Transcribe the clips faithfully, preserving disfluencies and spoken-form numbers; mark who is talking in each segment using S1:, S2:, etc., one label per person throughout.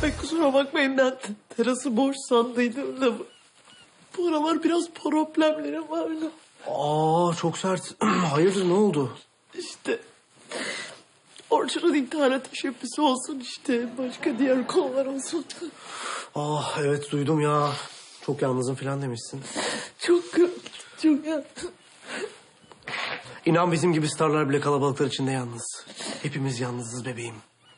S1: Ay kusura bakmayın, ben terası boş sandıydım da bu aralar biraz problemlerim var da.
S2: Aa çok sert. Hayırdır, ne oldu?
S1: İşte Orçun'un intihara teşebbüsü olsun işte. Başka diğer konular olsun.
S2: Ah evet duydum ya. Çok yalnızım falan demişsin.
S1: Çok çok ya.
S2: İnan bizim gibi starlar bile kalabalıklar içinde yalnız. Hepimiz yalnızız bebeğim.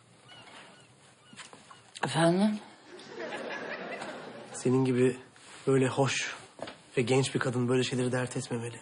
S3: Efendim?
S2: Senin gibi böyle hoş ve genç bir kadın böyle şeyleri dert etmemeli.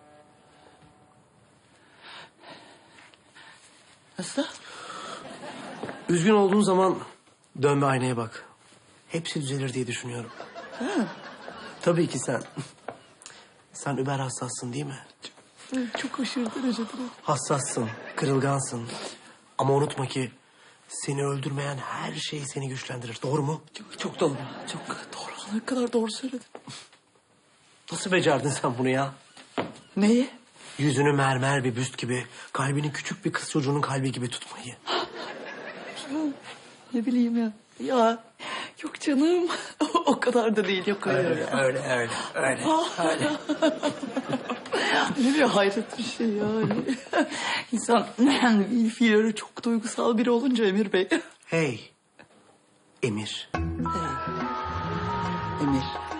S3: Nasıl?
S2: Üzgün olduğun zaman dön ve aynaya bak. Hepsi düzelir diye düşünüyorum.
S3: Ha.
S2: Tabii ki sen. Sen über hassassın değil mi?
S1: Çok aşırı derecede.
S2: Hassassın, kırılgansın. Ama unutma ki seni öldürmeyen her şey seni güçlendirir. Doğru mu?
S1: Çok, çok doğru. Çok doğru. Ne kadar doğru söyledin.
S2: Nasıl becerdin sen bunu ya?
S3: Neyi?
S2: Yüzünü mermer bir büst gibi, kalbini küçük bir kız çocuğunun kalbi gibi tutmayı.
S1: Ne bileyim ya. Ya yok canım. O kadar da değil. Yok hayır.
S2: Öyle,
S1: ya.
S2: öyle, öyle, öyle, öyle.
S1: Ne bir hayret bir şey yani. İnsan yani fiilleri çok duygusal biri olunca Emir Bey.
S2: Hey, Emir.
S3: Emir.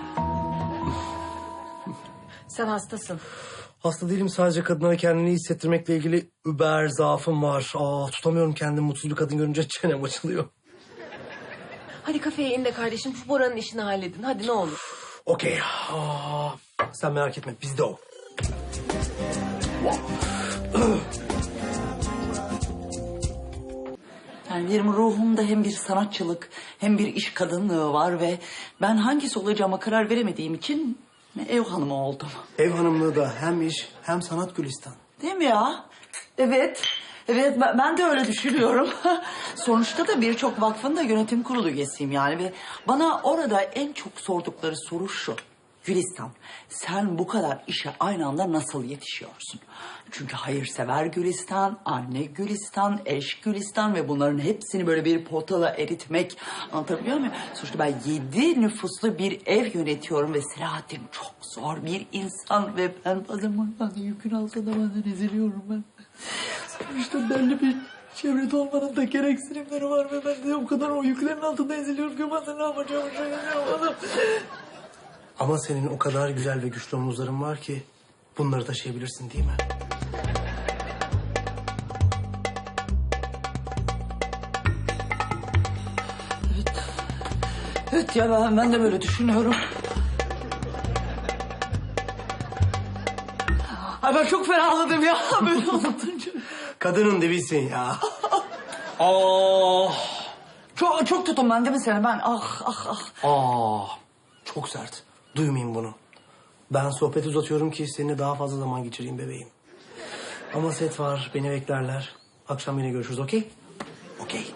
S4: Sen hastasın.
S2: Hasta değilim, sadece kadınlara kendini iyi hissettirmekle ilgili über zaafım var. Aa, tutamıyorum kendimi, mutsuz bir kadın görünce çenem açılıyor.
S4: Hadi kafeye in de kardeşim şu Bora'nın işini halledin. Hadi ne olur.
S2: Okey. Aa, sen merak etme, bizde o.
S3: Yani benim ruhumda hem bir sanatçılık hem bir iş kadınlığı var ve ben hangisi olacağıma karar veremediğim için ev hanımı oldum.
S2: Ev hanımlığı da hem iş hem sanat Gülistan.
S3: Değil mi ya? Evet. Evet ben, ben de öyle düşünüyorum. Sonuçta da birçok vakfın da yönetim kurulu üyesiyim yani. Ve bana orada en çok sordukları soru şu. Gülistan, sen bu kadar işe aynı anda nasıl yetişiyorsun? Çünkü hayırsever Gülistan, anne Gülistan, eş Gülistan ve bunların hepsini böyle bir potala eritmek, anlatabiliyor muyum? Sonuçta ben yedi nüfuslu bir ev yönetiyorum ve Selahattin çok zor bir insan ve ben bazen bundan yükün altında bazen eziliyorum ben.
S1: Sonuçta belli bir çevrede olmanın da gereksinimleri var ve ben de o kadar o yüklerin altında eziliyorum ki bazen ne yapacağımı şaşırıyorum.
S2: Ama senin o kadar güzel ve güçlü omuzların var ki bunları taşıyabilirsin değil mi?
S3: Evet ya ben, ben de böyle düşünüyorum. Ay ben çok ferahladım ya böyle anlatınca.
S2: Kadının dibisin ya.
S3: Aa, çok, çok tutun ben değil mi seni? Ben ah ah ah.
S2: Aa, çok sert. Duymayayım bunu. Ben sohbeti uzatıyorum ki seninle daha fazla zaman geçireyim bebeğim. Ama set var, beni beklerler. Akşam yine görüşürüz, okey? Okey.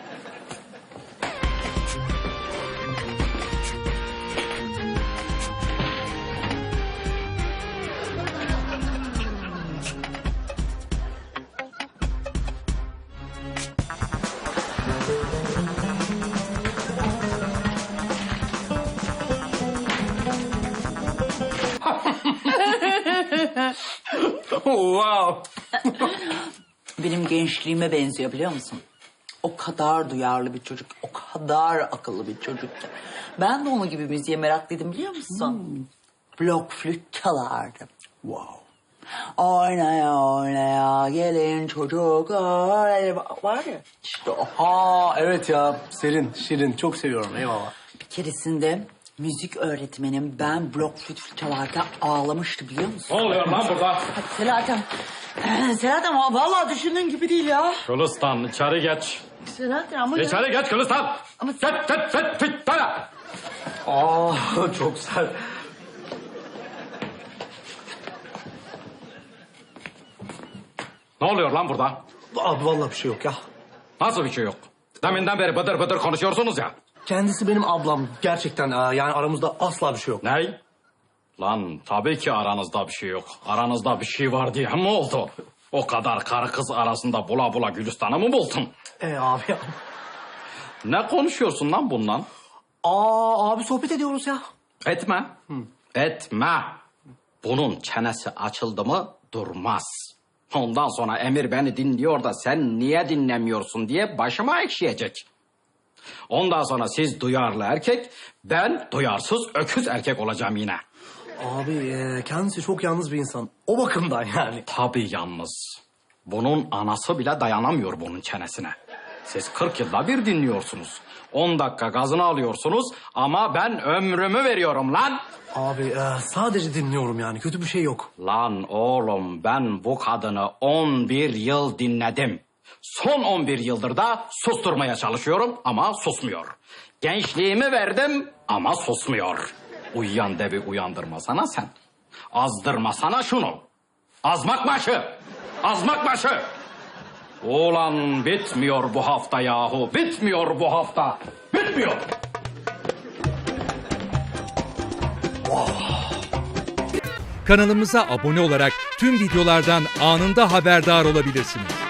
S5: Wow.
S3: Benim gençliğime benziyor biliyor musun? O kadar duyarlı bir çocuk, o kadar akıllı bir çocuk ki. Ben de onun gibi müziğe meraklıydım biliyor musun? Blok flüt çalardım.
S2: Wow.
S3: Oynaya oynaya gelin çocuklar. Var ya işte o.
S2: Aa evet ya, Selin, Şirin. Çok seviyorum, eyvallah.
S3: Bir keresinde müzik öğretmenim ben blok flüt çalarken ağlamıştı biliyor musun?
S5: Ne oluyor lan burada?
S3: Hadi Selahattin. Selahattin vallahi düşündüğün gibi değil ya.
S5: Gülistan içeri geç.
S3: Selahattin ama...
S5: İçeri geç Gülistan.
S3: Ama-
S5: Geç geç geç geç. Tara.
S2: Aa çok sert.
S5: Ne oluyor lan burada?
S2: Abi vallahi bir şey yok ya.
S5: Nasıl bir şey yok? Deminden beri bıdır bıdır konuşuyorsunuz ya.
S2: Kendisi benim ablam. Gerçekten aa, yani aramızda asla bir şey yok.
S5: Ney? Lan tabii ki aranızda bir şey yok. Aranızda bir şey var diye mi oldu? O kadar karı kız arasında bula bula Gülistan'ı mı buldun?
S2: Ee abi ya.
S5: Ne konuşuyorsun lan bundan?
S2: Aa abi sohbet ediyoruz ya.
S5: Etme. Etme. Bunun çenesi açıldı mı durmaz. Ondan sonra Emir beni dinliyor da sen niye dinlemiyorsun diye başıma ekşiyecek. Ondan sonra siz duyarlı erkek, ben duyarsız öküz erkek olacağım yine.
S2: Abi e, kendisi çok yalnız bir insan. O bakımdan yani.
S5: Tabii yalnız. Bunun anası bile dayanamıyor bunun çenesine. Siz kırk yılda bir dinliyorsunuz. On dakika gazını alıyorsunuz ama ben ömrümü veriyorum lan.
S2: Abi e, sadece dinliyorum yani. Kötü bir şey yok.
S5: Lan oğlum ben bu kadını on bir yıl dinledim. Son on bir yıldır da susturmaya çalışıyorum ama susmuyor. Gençliğimi verdim ama susmuyor. Uyuyan devi uyandırmasana sen. Azdırmasana şunu. Azmak başı. Azmak başı. Ulan bitmiyor bu hafta yahu. Bitmiyor bu hafta. Bitmiyor.
S6: Kanalımıza abone olarak tüm videolardan anında haberdar olabilirsiniz.